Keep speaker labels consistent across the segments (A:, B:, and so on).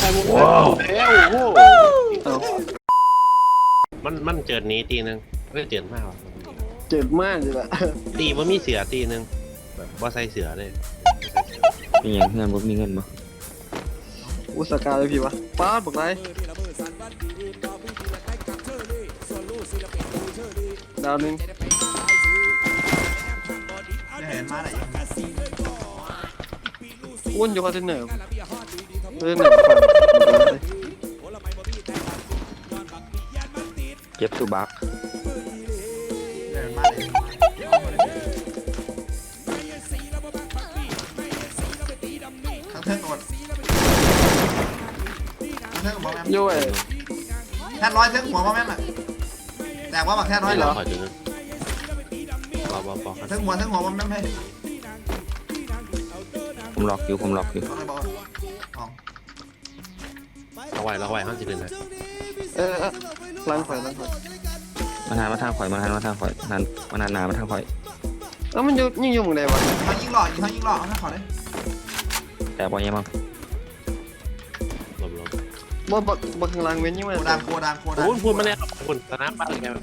A: ว้าวโอ้โหมันเจิดนี้ตีนึงไม่เจิดมากหรอ
B: เจ็บมากเลยอะ
A: ตีมันมีเสือตีนึงแบบว่าใส่เสือเลย
C: มีอย่างเงินบ่มีเงินบ่
B: อุตสาหกรรมเลยพี่วะป้าดบอกไรดาวนึง
D: เห็นมาไหน
B: อ้วนอยู่คอนเทนเนอร์
C: เก็บสุบัก
D: เห็นมาไหนทั้งเทิงหมดทั้งเทิงหัวแม่
B: โย่
D: แค่ร้อยเทิงหัวแม่น่ะแต่ว่าบักแค่ร้อยเหรอเทิงหัวแม่ให้
C: ผมล็อกอยู่
A: เราไหวห้องสิบเดือนนะ
B: ล้างไฟ
C: มาทางข่อยมาทางข่อยมาทางหนามาทางข่อย
B: แล้วมันยิ่งยุ่งเลยวะ
D: เขายิงหล่อเอาหน้าขอเลย
C: แต่บ่ยังมั้ง
B: บ่ข้างล่างเว้นยิ่งมา
D: โคดัง
A: พูดมาแล้วคุณสนามบ้านแก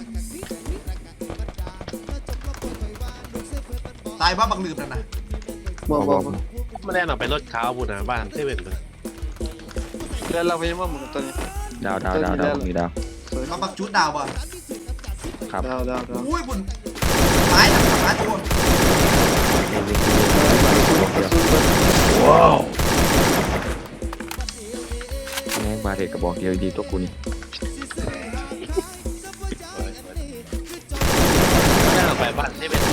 D: ตายบ้าบังลืมนั่นนะ
B: บ่
A: มาแล้วไปรถขาวพูดนะบ้านเซเว่นเลย
B: แล้วเราไปยังว่ามึงตัวนี้
C: ดาวมีดาว
D: เขาบักชุดดาวบ่
C: ครับ
B: ดาว
D: อุ้ยบุญตายตัว
C: ว้าวแม่งบาเทกระบอกเดียวดีตัวกูนี่
A: แล้วไปบ้านเซเว่น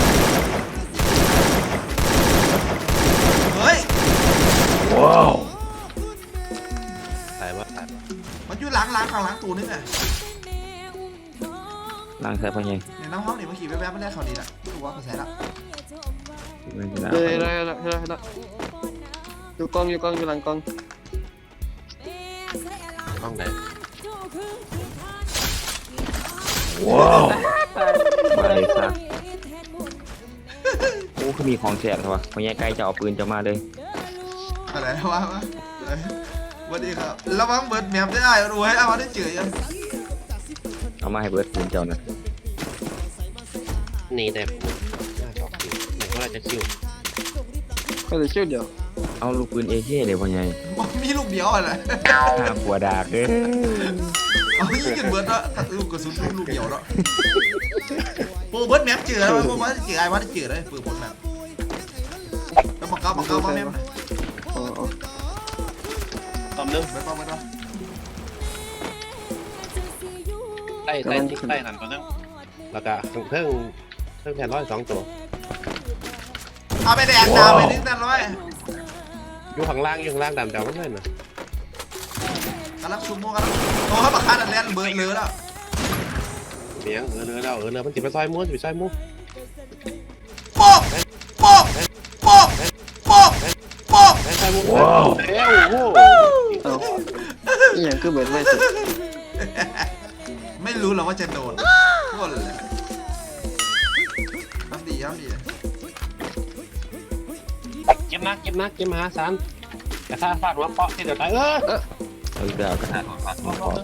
D: เฮ้ย
A: ว้าวตาย
D: มันอยู่หลังข้างหลังตูนึงอ่ะ
C: ล้างใส่พ่อใหญ่
D: เนี่ยน้ำห้องนี่เมื่อกี้แวบๆไม่ได้เขาดีละรู้ว่าเขาใส่ละ
B: ได้อยู่กล้องอยู่หลังกล้อง
A: ไหนว้าว
C: มาเลยซะโอ้คือมีของแสบใช่ปะพ่อใหญ่ใกล้จะเอาปืนจะมาเลย
D: อะไรวะวันนี้ครับระวังเบิร์ดแมปได้รู้ให้เอามาได้เฉย
C: เอามาให้เบิร์ดปืนเจ้านะ
A: นี่แต่มันก็จะชิว
B: ก็เลยชิวเดียว
C: เอาลูกปืนเอเคเลยพ่อใหญ่
D: มีลูกเดียวอะไร
C: หัวดากเลย
D: เอายิงกันเบิร์ดละลูกกระสุนลูกเดียวละโอ้เบิร์ดแมปเจอแล้วโอ้ว่าเจอไอ้ว่าเจอเลยปืนบนแมปแล้วบอกเก้ามาแมป
A: ตอมนึง
D: ไม่ต้อง
A: ใต้หันตอนนึงแล้วก็เพิ่งแผ่น102ตัว
D: เอาไปแดกดาวไปนิดนึงเลย
A: อยู่ข้างล่างดำมันเลยนะ
D: กำลังซุ่มกันโอ้เขาบักฆ่าดันแลนเบิร์ดเรือแล้ว
A: เสียงเรือมันจิบไปซอยม้วน
D: ป๊อกว้าว
B: อย่างคือเบิร์ดไม่สุด
D: ไม่รู้หรอกว่าจะโดนก้นเลยทำดี
A: เก็บมาหาสารกระทะฟาดหัวเปาะที่เดี๋ยวตาย
C: เอาอีกแล้วกระทะฟาดหัวเปาะ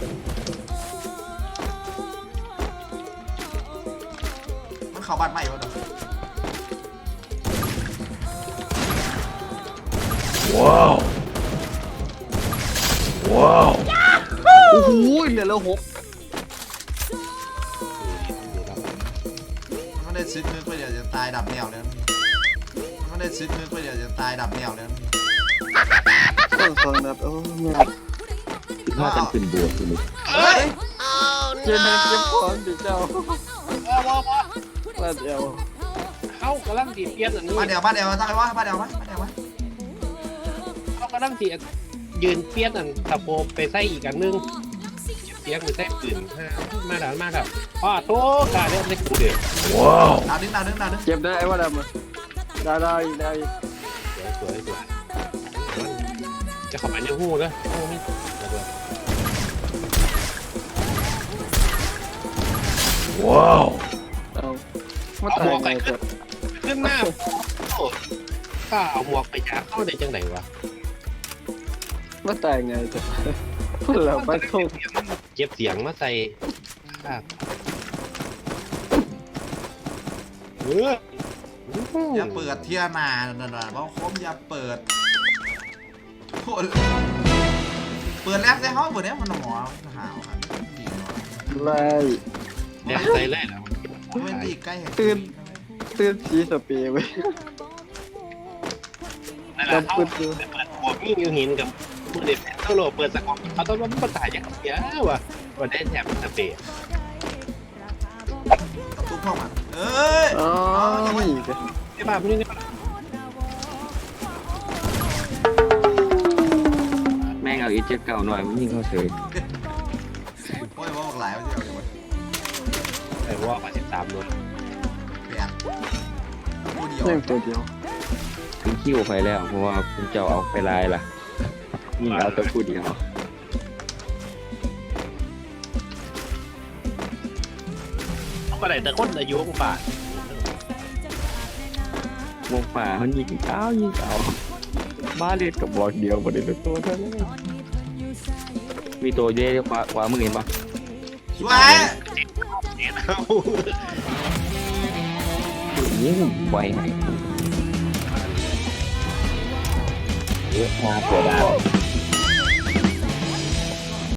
D: มันเข้าบ้านใหม่วะเนาะ
A: ว้าว
B: โอ้โหเหลือแล้ว6
D: มันได้ซึกนึกไปเดี๋ยวจะตายดับแนวแล้วมันได้ซึกนึกไปเดี๋ยวจะตายดับแนวแล้ว
B: 2นัดโอ้ย
C: ถ้ากันขึ้นบวกคุณ
D: เฮ้ย
B: เจนเก็บของดิเจ้าบ้านเดียว
A: เขากำลังตีเปียนอันนี้
D: บ้านเดียวตั้งไว้ว่าบ้านเดียว
A: เขากำลังตียืนเปียนอันตะโพไปใส่อีกอันนึงเปียกไปใส่ปืนมาครับโต้กาเล่นเล็กกูเดียวว้าว
D: ดาวนึง
B: เก็บได้ไอ้ว่าดำได้
A: สวยจะเข้าไปในหูเลยว้าว
B: มาตายไง
A: ขึ้นหน้าข้าเอาหมวกไปยาเข้าได้จังไหนวะ
B: มาตายไงจ้ะพูดแล้วไปโทษ
A: เก็บเสียงมาใส่ครับอ
D: อย่าเปิดเทียนานั่นน่ะเพราะคมอย่าเปิดโคตรเปิดแล้วแต่เขาเปิดแล้วมันหมอหาวครับ
B: ไล่
A: แดงใส่เลยแล้ว
D: ไม่ดีใกล้
B: ตื่นสีสเปรย์ไว้
A: นั่นแหละเขาเปิดหัวมีอยู่หินกับมือเด็ดเท่าโลเปิดสกอตเขาต้องว่ามันตายอย่างเดียวว่ะวันได้แถมสเปรย์
D: ตุ๊กเข้ามาเอ้ย
B: อ๋อไม่อีกเลย
A: ไอ้บ้าพวกนี้
C: แม่งเอาอีเจ็ดเก่าหน่อยมันยิงเข้าเฉย
D: โอ้ยว่าบอกหลายว่าจะเอาอย่างไร
A: ไอ้ว่ามา13โดน
D: เปลี่ยนผู้เดียว
B: ยังตัวเดียว
C: ผมคิ้วไปแล้วเพราะว่าผมจะเอาไปลายล่ะยิงเอาแต่ผู้เดียว
A: ก็ได้แต่คนอายุของป่าว
C: งป่ามันยิงเอาบ้าเล็ดกับบอกเดียวประเด็นตัวเท่านั้นมีตัวเยอะขวามือเห็นปะ
D: สวย
A: เนี่ยเขา
C: ยิงไวให้เยอะมากเสียดาย